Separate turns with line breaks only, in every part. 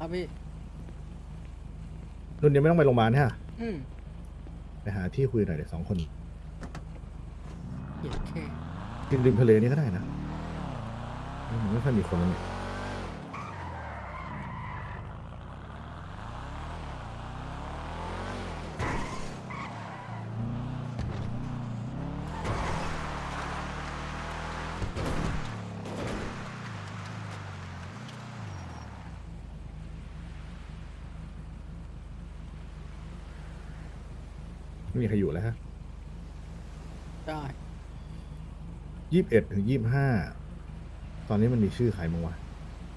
ครับพี่
รุ่นนี้ไม่ต้องไปโรงพยาบาลฮะ
อืม
ไปหาที่คุยหน่อยเดี๋ยว2 คน
เหี้ยแค่
กินริมทะเลนี่ก็ได้นะมันไม่ค่อยมีคนแล้วนี่ไม่มีใครอยู่แล้วฮะ
ได้
21 ถึง 25ตอนนี้มันมีชื่อใครมั้งวะ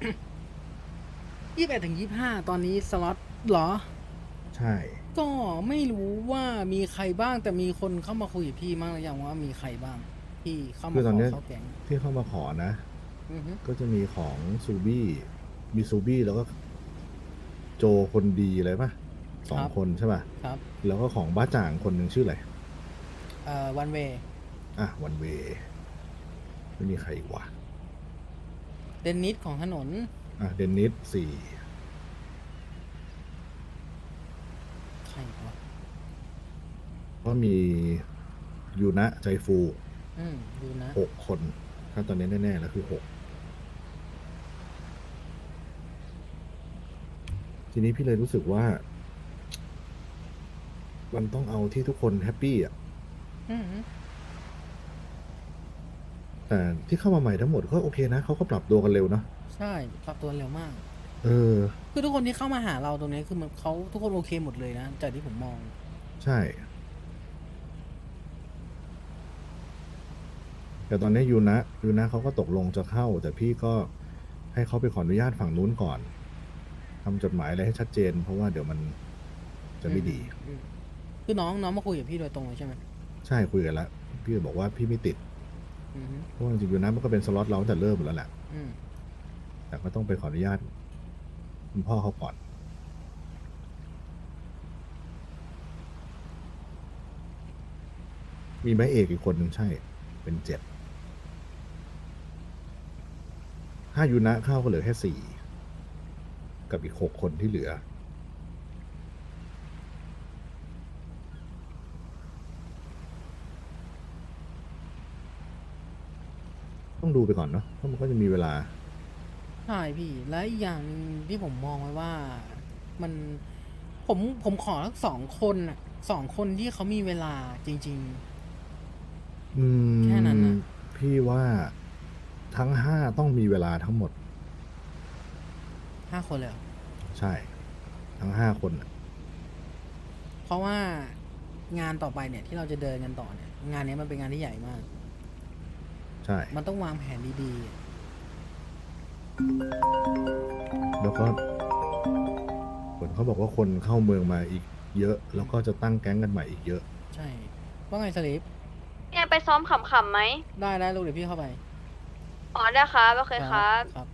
21 ถึง 25ตอนนี้สล็อตเหรอ
ใช่
ก็ไม่รู้ว่ามีใครบ้างแต่มีคนเข้ามาคุยกับพี่มั้งหรือยังว่ามีใครบ้างที่เข้ามาข
คือตอนนี้
อเข้าแก๊ง
ที่เข้ามาขอนะ
อือฮึ
ก็จะมีของซูบี้มีซูบี้แล้วก็โจคนดีอะไรป่ะส
ครับ
องคนใช่ป่ะ
ครับ
แล้วก็ของบ้าจ่างคนหนึ่งชื่ออะไร
วันเว
วันเวไม่มีใครอีกวะ
เดนนิสของถนน
เดนนิส4
ใครวะ
ก็มียูนะใจฟู
ดูนะ
6 คนถ้าตอนนี้แน่ๆแล้วคือ6ทีนี้พี่เลยรู้สึกว่ามันต้องเอาที่ทุกคนแฮปปี้อ่ะ
อืม
แต่ที่เข้ามาใหม่ทั้งหมดก็โอเคนะเขาก็ปรับตัวกันเร็วเนาะ
ใช่ปรับตัวเร็วมาก
เออ
คือทุกคนที่เข้ามาหาเราตรงนี้คือมันเขาทุกคนโอเคหมดเลยนะจากที่ผมมอง
ใช่แต่ตอนนี้ยูนะเขาก็ตกลงจะเข้าแต่พี่ก็ให้เขาไปขออนุญาตฝั่งนู้นก่อนทำจดหมายอะไรให้ชัดเจนเพราะว่าเดี๋ยวมันจะไม่ดี
อืมคือน้องมาคุยกับพี่โดยตรงเลยใช่ไหม
ใช่คุยกันแล้วพี่บอกว่าพี่ไม่ติด
อืม
เพราะว่าจริงๆยูนะมันก็เป็นสล็อตเราตั้งแต่เริ่มแล้วแหละ
อืม
แต่ก็ต้องไปขออนุญาตคุณพ่อเขาก่อนมีแม่เอกอีกคนหนึ่งใช่เป็น7ถ้ายูนะเข้าก็เหลือแค่4กับอีก6 คนที่เหลือต้องดูไปก่อนเนาะเพราะมันก็จะมีเวลา
ใช่พี่และอีกอย่างหนึ่งที่ผมมองไว้ว่ามันผมขอทั้ง2 คนอ่ะ2 คนที่เขามีเวลาจริง
อื
ๆแค่นั้น
ม
นะ
พี่ว่าทั้ง5ต้องมีเวลาทั้งหมด
5 คนเลยเหรอ
ใช่ทั้ง5 คนน่ะ
เพราะว่างานต่อไปเนี่ยที่เราจะเดินกันต่อเนี่ยงานนี้มันเป็นงานที่ใหญ่มาก
ใช่
มันต้องวางแผนดี
แล้วก็ผลเขาบอกว่าคนเข้าเมืองมาอีกเยอะแล้วก็จะตั้งแก๊งกันใหม่อีกเยอะ
ๆใช่ว่าไงสลิป
เนี่ยไปซ้อมขำๆไหม
ได้ลูกเดี๋ยวพี่เข้าไป
อ๋อได้ครับโอเค
ครับ
ครับ
ครับ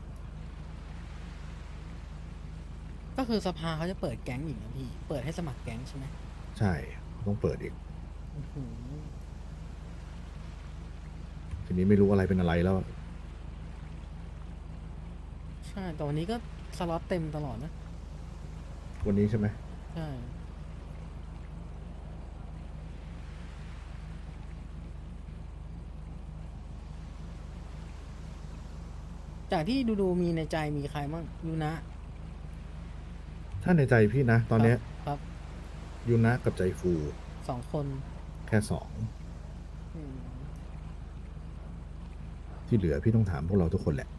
ก็คือสภาเขาจะเปิดแก๊งอีกนะพี่เปิดให้สมัครแก๊งใช่ไหม
ใช่ต้องเปิดอีก
อื้อหือ
ทีนี้ไม่รู้อะไรเป็นอะไรแล้ว
ใช่แต่วันนี้ก็สล็อตเต็มตลอดนะ
วันนี้ใช่ไหม
ใช่จากที่ดูมีในใจมีใครบ้างยูนะ
ถ้าในใจพี่นะตอนเนี้ย
ครับ
ยูนะกับใจฟู
2 คน
แค่2
อืม
ที่เหลือพี่ต้องถามพวกเราทุกคนแหละ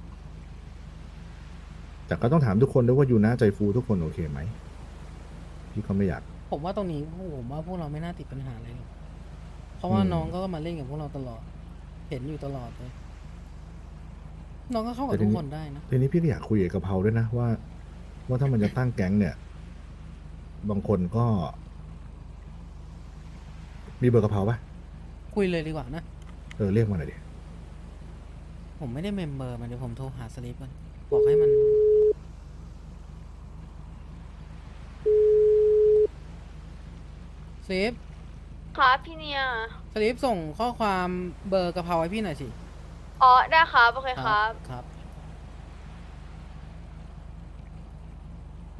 แต่ก็ต้องถามทุกคนด้วยว่ายูนะใจฟูทุกคนโอเคไหมพี่ก็ไม่อยาก
ผมว่าตรงนี้ผมว่าพวกเราไม่น่าติดปัญหาอะไรหรอกเพราะว่าน้องก็มาเล่นกับพวกเราตลอดเห็นอยู่ตลอดเลยน้องก็เข้ากับทุกคนได้นะ
ทีนี้พี่ก็อยากคุยกับกะเพราด้วยนะว่าถ้ามันจะตั้งแก๊งเนี่ยบางคนก็มีเบอร์กะเพราปะ
คุยเลยดีกว่านะ
เรียกมาหน่อยดิ
ผมไม่ได้เมมเบอร์มันเดี๋ยวผมโทรหาสลิปมันบอกให้มันสลิป
ครับพี่เนี่ย
สลิปส่งข้อความเบอร์กะเพราให้พี่หน่อยสิ
อ๋อได้ครับโอเคครับ
ครับ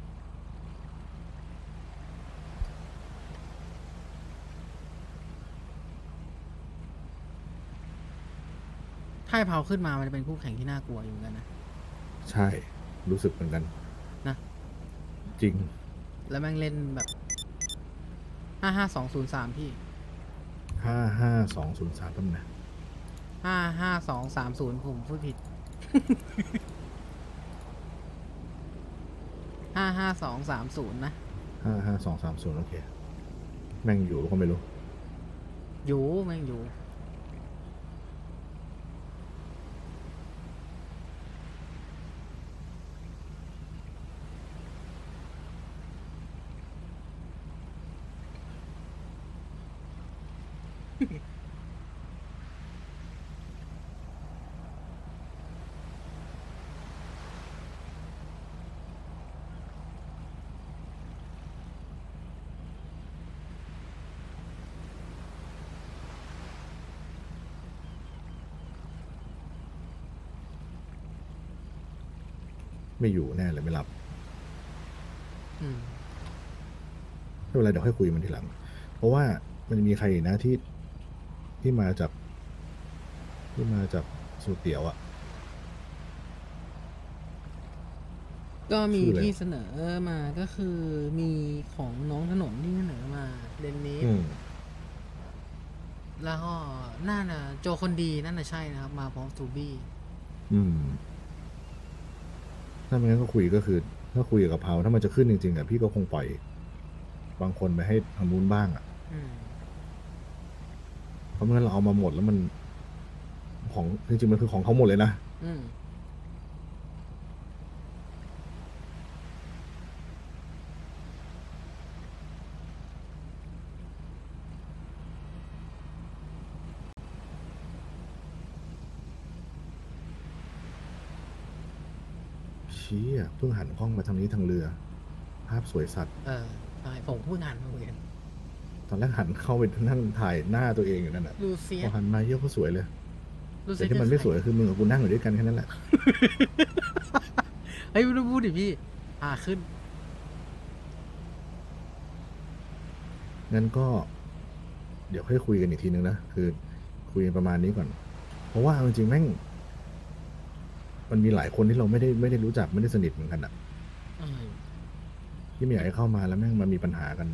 ถ้าเผาขึ้นมามันจะเป็นคู่แข่งที่น่ากลัวอยู่เหมือนกันนะ
ใช่ รู้สึกเหมือนกัน
นะ
จริง
แล้วแม่งเล่นแบบ55203พี่
55203ตั้งนะ
55230ผมพูดผิด 55230นะ
55230โอเค แม่งอยู่ก็ไม่รู้
อยู่แม่งอยู่
ไม่อยู่แน่เลยไม่รับ
อืม
ไม่เป็นไรเดี๋ยวค่อยคุยมันทีหลัง เพราะว่ามันจะมีใครอีกนะที่มาจากสูตรเตี๋ยวอะ
ก็มี
ชื่ออะไร
ที่เสนอมาก็คือมีของน้องถนนที่เสนอมาเรนนิส
อืม
แล้วก็น่าจะโจคนดีนั่นน่ะใช่นะครับ มาพร้อมซูบี้
อืม ถ้าไม่งั้นก็คุยก็คือ ถ้าคุยกับเผาถ้ามันจะขึ้นจริงๆอะพี่ก็คงปล่อยบางคนไปให้ทางนู้นบ้างอะ
อืม
เพราะไม่งั้นเราเอามาหมดแล้วมันของจริงๆมันคือของเขาหมดเลยนะ
อืม
ชี้อ่ะเพิ่งหันกล้องมาทางนี้ทางเรือ ภาพสวยสัตว์
เออใช่ผมพูดงานมาเหมือนกัน
ตอนแรกหันเข้าไปนั่งถ่ายหน้าตัวเองอยู่นั่นแหละ
ลูเซีย
พอหันมาเยอะก็สวยเลย
ลูเซี
แต่
ย
ที่มันไม่สวย
คือใคร
คือมึงกับกูนั่งอยู่ด้วยกันแค่นั้นแหละ
เฮ้ยไม่ต้องพูดดิพี่ ขึ้น
งั้นก็ เดี๋ยวค่อยคุยกันอีกทีนึงนะ คือคุยกันประมาณนี้ก่อน เพราะว่าเอาจริงๆแม่ง มันมีหลายคนที่เราไม่ได้รู้จักไม่ได้สนิทเหมือนกันอะ
อืม
ที่ไม่อยากให้เข้ามาแล้วแม่งมามีปัญหากัน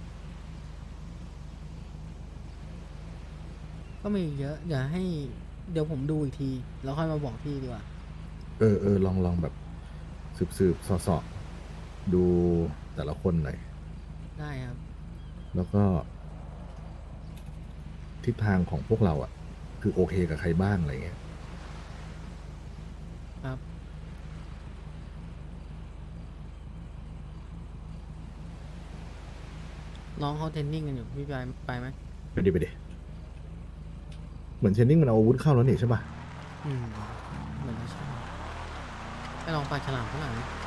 ก็มีเยอะอย่าให้ เดี๋ยวผมดูอีกที แล้วค่อยมาบอกพี่ดีกว่า
ลองแบบสืบสอดูแต่ละคนหน่อย
ได้ครับ
แล้วก็ ทิศทางของพวกเราอ่ะ คือโอเคกับใครบ้างอะไรเงี้ย
ครับ น้องเขาเทรนนิ่งกันอยู่ พี่ไปไหม
ไปดิเหมือนเชนนิ่งมันเอาอาวุธเข้าแล้วนี่ใช่ป่ะ
อืม เหมือนจะใช่ไปลองปลาฉลามข้างหลังดิ